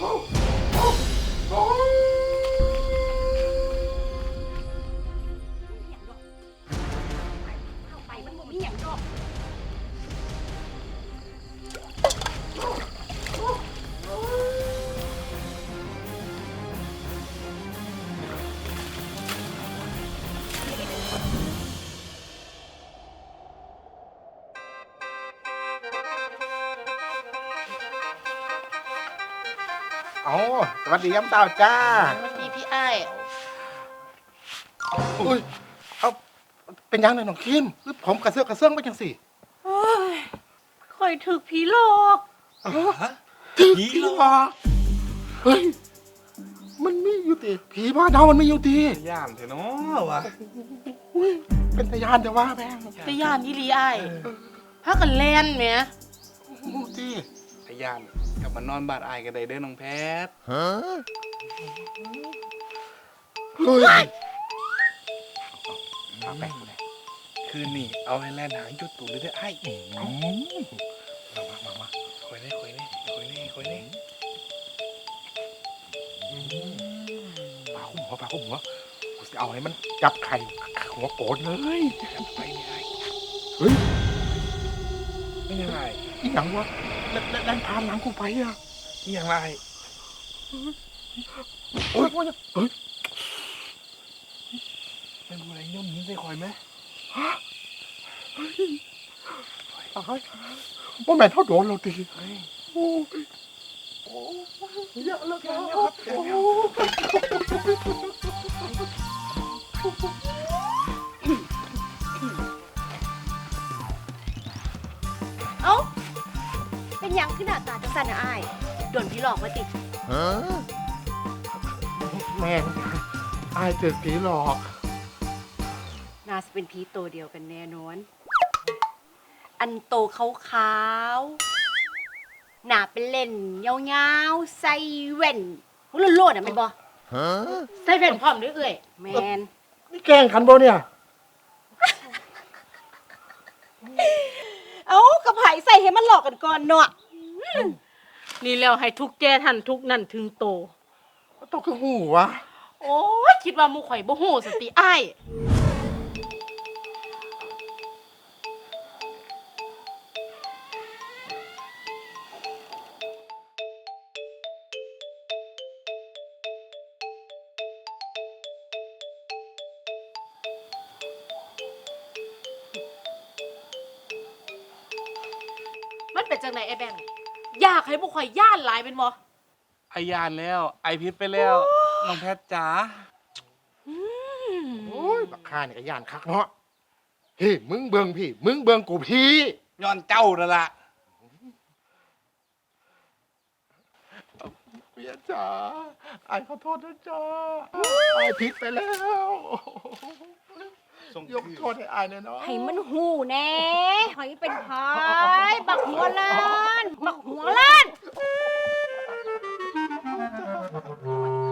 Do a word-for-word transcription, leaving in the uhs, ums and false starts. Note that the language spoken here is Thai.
ไปมันบ่มีหยังดอกอ๋อสวัสดียามเช้าจ้าสวัสดีพี่ไอ้ายอุ้ยเอาเป็นยังไงน้องคิมหรือผมกระเซื้อกกระเซื้องไปจังสิโอ้ยข่อยถึกผีหลอกผีหรอเฮ้ยมันมีอยู่ติผีบ้านเรามันมีอยู่ติย่านเถอะเนาะวะอุ้ยเป็นตะยานแต่ว่าแม่งแต่ย่านอีหลีไอ้ายพากันแล่นแหมโอ้ติพยานกลับมานอนบ้านอายกันได้เด้อน้องแพทเฮ้ยเอาไปเลยคืนนี้เอาให้แล่นหางจุดตูดเลยเด้อไอ้เอามามามาคอยเน่คอยเน่คอยเน่คอยเน่ปาคุ้มหัวปาคุ้มหัวกูจะเอาให้มันจับไข่หัวโกรธเลยไปนี่ไอ้เฮ้ยไม่ยังไงอีหยังวะแล้วแล้วแล้วพาหลังกูไปอ่ะนี่ยังไรโอ้ยโอ้ยเฮ้ยเป็นอะไรย่อมยิ้มใส่คอยไหมตายว่าแม่เท่าโดนเราตีเฮ้ยโอ้ยโอ้ยเยอะแล้วครับโอ้เอ้าเป็นหยังขึ้นหน้าตาจังซั่นน่ะอ้ายโดนผีหลอกมาติแม่งอายเจอผีหลอกน่าจะเป็นผีตัวเดียวกันแน่นอน อันโตขาวๆหน้าเป็นเล่นยาวๆใส่แว่นหัวโลดๆอ่ะแม่นบ่ใส่แว่นพร้อมด้วยเอ้ยแม่นนี่แกล้งขันโบเนี่ยเอ้ากระไผใส่ให้มันหลอกกันก่อนเนาะนี่แล้วให้ทุกแกทันทุกนั่นถึงโตต้องคือหูวะโอ้ยคิดว่าหมูข่อยบ่ฮู้สติอ้ายมันเป็นจังไหนไอ้แบงค์อยากให้หมูข่อยย่านหลายเป็นบ่ไอยานแล้วไอพิษไปแล้วน้องแพทจ๋าโอ้ยบักข้าเนี่ยก็ย่านคักเนาะพี่มึงเบิงพี่ มึงเบิงกูพี่ย้อนเจ้านั่นล่ะเมียจ๋าอายขอโทษนะจ๊ะอายผิดไปแล้วส่งยกโทษให้อายหน่อยเนาะให้มันหูแน่หอยเป็นพายบักหัวล้าน บักหัวล้าน